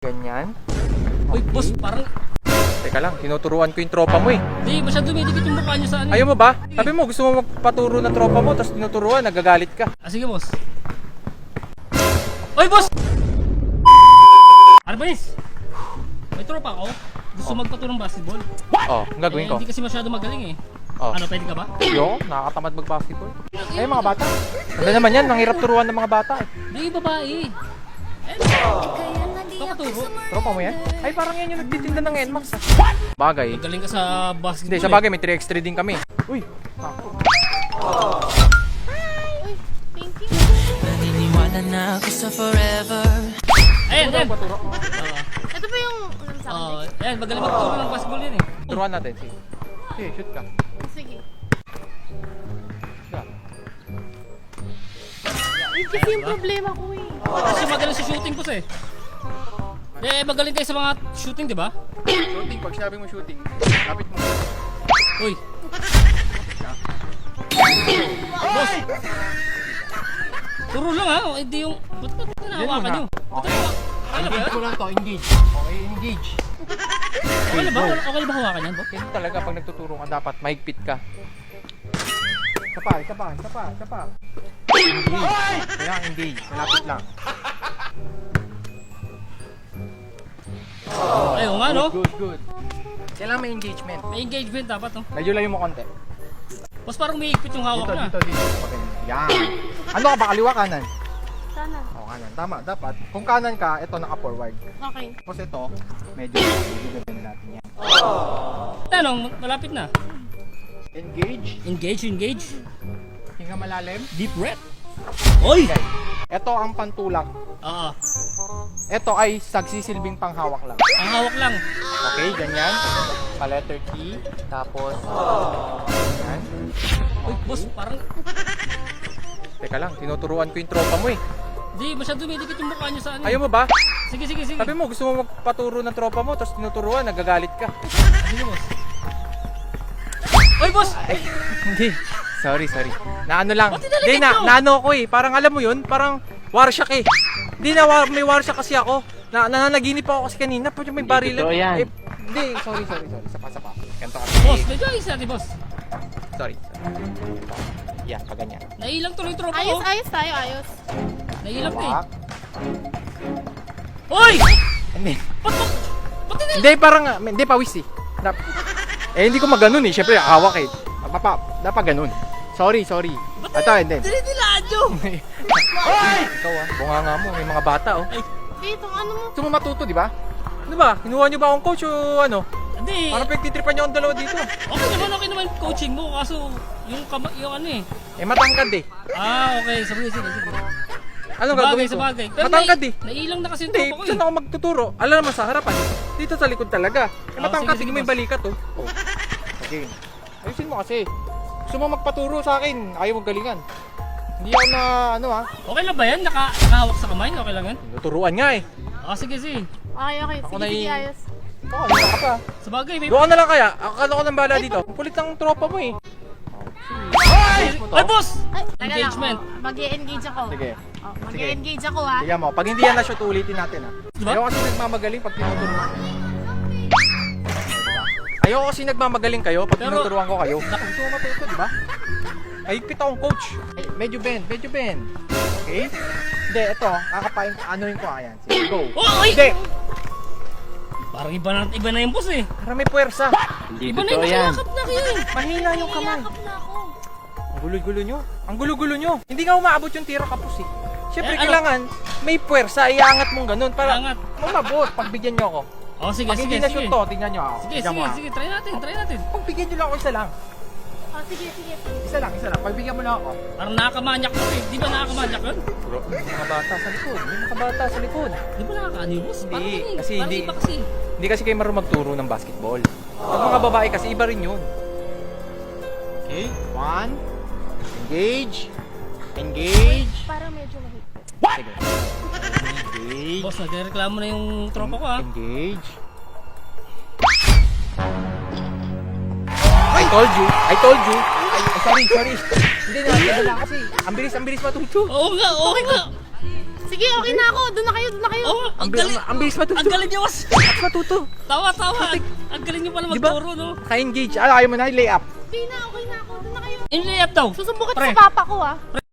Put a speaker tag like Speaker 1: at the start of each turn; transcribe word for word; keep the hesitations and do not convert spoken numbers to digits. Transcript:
Speaker 1: Ganyan.
Speaker 2: Uy, boss, parang...
Speaker 1: Teka lang, tinuturuan ko yung tropa mo eh.
Speaker 2: Di, masyado dumidikit yung mukha niyo sa ano.
Speaker 1: Ayaw mo ba? Sabi mo, gusto mo magpaturo ng tropa mo, tapos tinuturuan, nagagalit ka.
Speaker 2: Ah, sige, boss. Uy, boss! Arbais! May tropa ako. Gusto magpaturo ng basketball.
Speaker 1: Oh, ang gagawin
Speaker 2: Eh,
Speaker 1: ko.
Speaker 2: hindi kasi masyado magaling eh.
Speaker 1: Oh.
Speaker 2: Ano, pwede ka ba?
Speaker 1: Yo, nakakatamad mag-basketball. Eh, mga bata. Ano naman yan, nanghirap turuan ng mga bata eh.
Speaker 2: Hindi, babae. Eh, papaturo.
Speaker 1: Tropa mo yan? Ay, parang yan yung nagtitinda ng N MAX. Bagay.
Speaker 2: Magaling ka sa basketball.
Speaker 1: Hindi, sa bagay, may three x three din kami. Uy!
Speaker 3: Uy, thank you.
Speaker 4: Naniniwala na ako sa forever.
Speaker 2: Eh. Ayan, ayan.
Speaker 1: Paturo.
Speaker 2: Oo.
Speaker 3: Ito ba yung ano sa
Speaker 2: Oo,
Speaker 3: akin?
Speaker 2: ayan, magaling magturo ng basketball yan eh.
Speaker 1: Turuan natin, sige. Sige, shoot ka.
Speaker 3: Sige.
Speaker 1: Yeah.
Speaker 3: Yun kasi yung problema ko eh.
Speaker 2: Kasi magaling sa shooting po eh. Eh, magaling kayo sa mga shooting, di ba?
Speaker 1: Shooting, pag sinabi mo shooting, kapit mo.
Speaker 2: Uy. Boss! Turo lang ha, hindi yung... Ba't ba't nahawakan nyo?
Speaker 1: Okay.
Speaker 2: Ano ba
Speaker 1: Engage
Speaker 2: yan?
Speaker 1: ko lang to, engage. Okay, engage.
Speaker 2: Okay na ba? Okay na ba hawakan yan, Boss?
Speaker 1: Ganun talaga, pag nagtuturo ka, dapat mahigpit ka. Isa pa, isa pa, isa pa, isa pa. Engage. Kailangan engage, malapit lang.
Speaker 2: Ayun nga no?
Speaker 1: Good, good. Kailangan may engagement.
Speaker 2: May engagement dapat no?
Speaker 1: Medyo layo mo konti.
Speaker 2: Boss, parang umiikpit yung hawak
Speaker 1: Dito,
Speaker 2: na.
Speaker 1: dito, dito. Okay. Yan. Ano ka ba? Kaliwa, kanan?
Speaker 3: Sana.
Speaker 1: O, kanan. Tama, dapat. Kung kanan ka, ito naka-forward.
Speaker 3: Okay.
Speaker 1: Tapos ito, medyo gagawin natin yan.
Speaker 2: Tanong, malapit na.
Speaker 1: Engage.
Speaker 2: Engage, engage.
Speaker 1: Hinga malalim.
Speaker 2: Deep breath. Oy!
Speaker 1: Okay. Ito ang pantulak.
Speaker 2: Oo.
Speaker 1: Ito ay sagsisilbing panghawak lang.
Speaker 2: Ang hawak lang.
Speaker 1: Okay, ganyan. Pa-letter T. Tapos, ganyan.
Speaker 2: Uy, boss, parang...
Speaker 1: Teka lang, tinuturuan ko yung tropa mo eh.
Speaker 2: Di, masyado dumidikit yung mukha niyo sa ano.
Speaker 1: Ayaw mo ba?
Speaker 2: Sige, sige, sige.
Speaker 1: Sabi mo, gusto mo magpaturo ng tropa mo, tapos tinuturuan, nagagalit ka.
Speaker 2: Sige, boss. Uy, boss!
Speaker 1: Ay, hindi. Sorry, sorry. Naano lang.
Speaker 2: Ba't dinalagyan
Speaker 1: Hindi, na,
Speaker 2: nyo?
Speaker 1: naano ko eh. Parang alam mo yun, parang warsyak eh. Hindi na, war, may warsyak kasi ako. Na, nananaginip ako kasi kanina, pwede may baril.
Speaker 4: totoo yan.
Speaker 1: Eh, hindi, sorry, sorry, sorry. Sapa, sapa. Ganito kasi.
Speaker 2: Boss, medyo ayos natin, boss.
Speaker 1: Sorry. Yan, pag ganyan.
Speaker 2: Nailang tuloy yung tropa
Speaker 3: Ayos,
Speaker 2: ko.
Speaker 3: ayos tayo, ayos.
Speaker 2: Nailang ka eh.
Speaker 1: Wak.
Speaker 2: Uy!
Speaker 1: Hindi.
Speaker 2: Ba't, ba't, ba't hindi?
Speaker 1: Hindi, parang, hindi, pawis eh. Dap- eh, hindi ko maganon eh. Siyempre, hawak eh. Papa, dapat ganun. Sorry, sorry.
Speaker 2: Ba't
Speaker 1: Ito, hindi.
Speaker 2: dinidilaan nyo?
Speaker 1: Ikaw ah, bunga nga mo. May mga bata oh.
Speaker 3: Eh, itong ano mo.
Speaker 1: Gusto mo matuto, di ba? Ano ba? Kinuha niyo ba akong coach o ano?
Speaker 2: Hindi.
Speaker 1: Parang pagtitripan niyo akong dalawa dito.
Speaker 2: Okay naman, okay naman yung coaching mo. Kaso, yung, kama, yung ano eh.
Speaker 1: Eh, matangkad eh.
Speaker 2: Ah, okay. Sige, sige, sige.
Speaker 1: Anong
Speaker 2: Sabagay,
Speaker 1: gagawin ko?
Speaker 2: sabagay. Pero
Speaker 1: Matangkad
Speaker 2: nai-
Speaker 1: eh.
Speaker 2: Nailang na kasi yung
Speaker 1: Hindi,
Speaker 2: tropa ko
Speaker 1: saan
Speaker 2: eh.
Speaker 1: ako magtuturo? Alam naman sa harapan. Dito sa likod talaga. Eh,
Speaker 2: Oh,
Speaker 1: matangkad,
Speaker 2: sige,
Speaker 1: sige,
Speaker 2: sige,
Speaker 1: may
Speaker 2: boss.
Speaker 1: balikat oh. Oh. Okay. Ayusin mo kasi. Gusto mo magpaturo sa akin, ayaw mong galingan. Hindi ako na, ano ha,
Speaker 2: Okay lang ba yan? Naka, nakahawak sa kamay? Okay lang yan?
Speaker 1: tuturuan nga eh.
Speaker 2: Ah, sige, sige.
Speaker 3: Okay, okay.
Speaker 1: Ako
Speaker 3: Sige,
Speaker 1: na
Speaker 3: sige,
Speaker 1: yung-
Speaker 3: ayos.
Speaker 1: Oo, ano ka pa?
Speaker 2: Sabagay, may...
Speaker 1: Doon ka na lang kaya. Akala ko ng bala dito. Ang kulit ng tropa mo eh.
Speaker 2: Ay,
Speaker 1: mo to?
Speaker 2: ay, boss!
Speaker 3: Ay, teka
Speaker 2: Engagement.
Speaker 3: lang. Oh, mag-e-engage ako.
Speaker 1: Sige.
Speaker 3: Oh, mag-e-engage ako ha.
Speaker 1: Tignan mo, pag hindi yan na-shoot, ulitin natin ha.
Speaker 2: Diba?
Speaker 1: Ayaw kasi nagmamagaling pag tinuturuan. Ayaw kasi nagmamagaling kayo pag
Speaker 2: Pero-
Speaker 1: tinuturuan ko kayo. Gusto mo matuto, di ba? Ay, pit akong coach. Ay, medyo bend, medyo bend. Okay? Hindi, ito, kakapain, anoin ko ayan. Sige, go.
Speaker 2: Oh, ay!
Speaker 1: Hindi,
Speaker 2: Parang iba na, iba na yung boss eh.
Speaker 1: para may puwersa.
Speaker 4: Hindi
Speaker 2: Iba na yung
Speaker 4: totoo yan.
Speaker 2: nakakap na kayo eh.
Speaker 1: Mahina yung kamay.
Speaker 3: Niyakap na ako.
Speaker 1: Ang gulo-gulo nyo. Ang gulo-gulo nyo. Hindi nga umaabot yung tira kapos eh. Siyempre,
Speaker 2: Eh, ano?
Speaker 1: kailangan may puwersa, iangat mong ganun para
Speaker 2: Iangat.
Speaker 1: umabot. Pagbigyan nyo ako.
Speaker 2: Oh, sige,
Speaker 1: Pag
Speaker 2: sige,
Speaker 1: hindi
Speaker 2: sige.
Speaker 1: na-shoot to, tingnan nyo ako.
Speaker 2: Sige,
Speaker 1: Tingnan mo,
Speaker 2: sige,
Speaker 1: ah.
Speaker 2: sige. Try natin, try natin.
Speaker 1: Pagbigyan nyo lang ako isa lang.
Speaker 3: Oh, sige, sige.
Speaker 1: Isa lang, isa lang. Pagbigyan mo lang ako.
Speaker 2: Parang nakakamanyak ko eh. Di ba nakakamanyak yun?
Speaker 1: Bro, may mga bata sa likod. May mga bata sa likod.
Speaker 2: Di ba nakakaano yung boss? Parang
Speaker 1: Hindi,
Speaker 2: ano eh.
Speaker 1: kasi
Speaker 2: Parang
Speaker 1: hindi-
Speaker 2: iba kasi.
Speaker 1: Hindi kasi kayo marunong magturo ng basketball. Pag mga babae kasi, iba rin yun. Okay, one. Engage. Engage.
Speaker 3: Parang medyo mahit.
Speaker 1: Sige. Engage.
Speaker 2: Boss, nagreklamo na yung tropa ko ah.
Speaker 1: Engage. I told you. I told you. Ay, ay, sorry, sorry. Hindi na, hindi lang kasi. Ang bilis, ang bilis matuto.
Speaker 2: Oo nga, oo nga.
Speaker 3: Sige, okay na ako. Doon na kayo, doon na kayo.
Speaker 2: Oh, ang
Speaker 1: Ang, bi-
Speaker 2: galing.
Speaker 1: ang, ang bilis matuto.
Speaker 2: Ang galing niyo, boss.
Speaker 1: Matuto.
Speaker 2: Tawa, tawa. Ang galing niyo pala
Speaker 1: Di ba?
Speaker 2: magturo, no?
Speaker 1: Naka-engage. Ano, ayaw mo na, lay up.
Speaker 3: Okay na, okay na ako. Doon na kayo.
Speaker 2: In layup daw.
Speaker 3: Susubukan
Speaker 2: Pre.
Speaker 3: sa papa ko, ah.